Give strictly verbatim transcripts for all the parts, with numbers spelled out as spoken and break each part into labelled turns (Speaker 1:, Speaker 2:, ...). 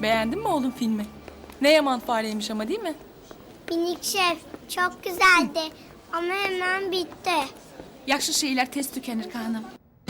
Speaker 1: Beğendin mi oğlum filmi? Ne yaman fareymiş ama, değil mi?
Speaker 2: Minik şef çok güzeldi ama hemen bitti.
Speaker 3: Yaşlı şeyler tez tükenir Kaan'ım.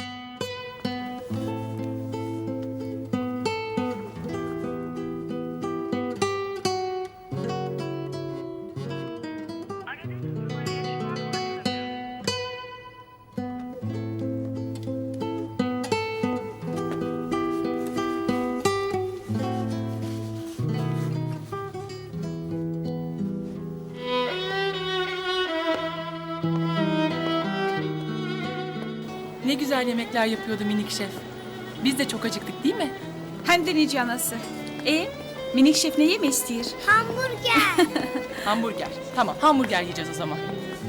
Speaker 1: Ne güzel yemekler yapıyordu minik şef. Biz de çok acıktık, değil mi?
Speaker 3: Hem de nice anası. E, minik şef ne yeme istiyor?
Speaker 2: Hamburger.
Speaker 1: Hamburger. Tamam, hamburger yiyeceğiz o zaman.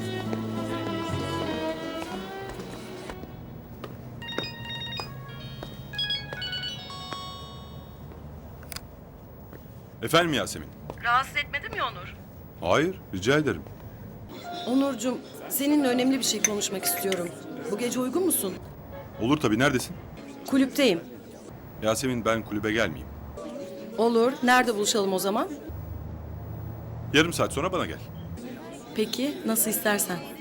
Speaker 4: Efendim Yasemin?
Speaker 5: Rahatsız etmedim ya Onur.
Speaker 4: Hayır, rica ederim.
Speaker 6: Onurcuğum, seninle önemli bir şey konuşmak istiyorum. Bu gece uygun musun?
Speaker 4: Olur tabii, neredesin?
Speaker 6: Kulüpteyim.
Speaker 4: Yasemin, ben kulübe gelmeyeyim.
Speaker 6: Olur. Nerede buluşalım o zaman?
Speaker 4: Yarım saat sonra bana gel.
Speaker 6: Peki, nasıl istersen.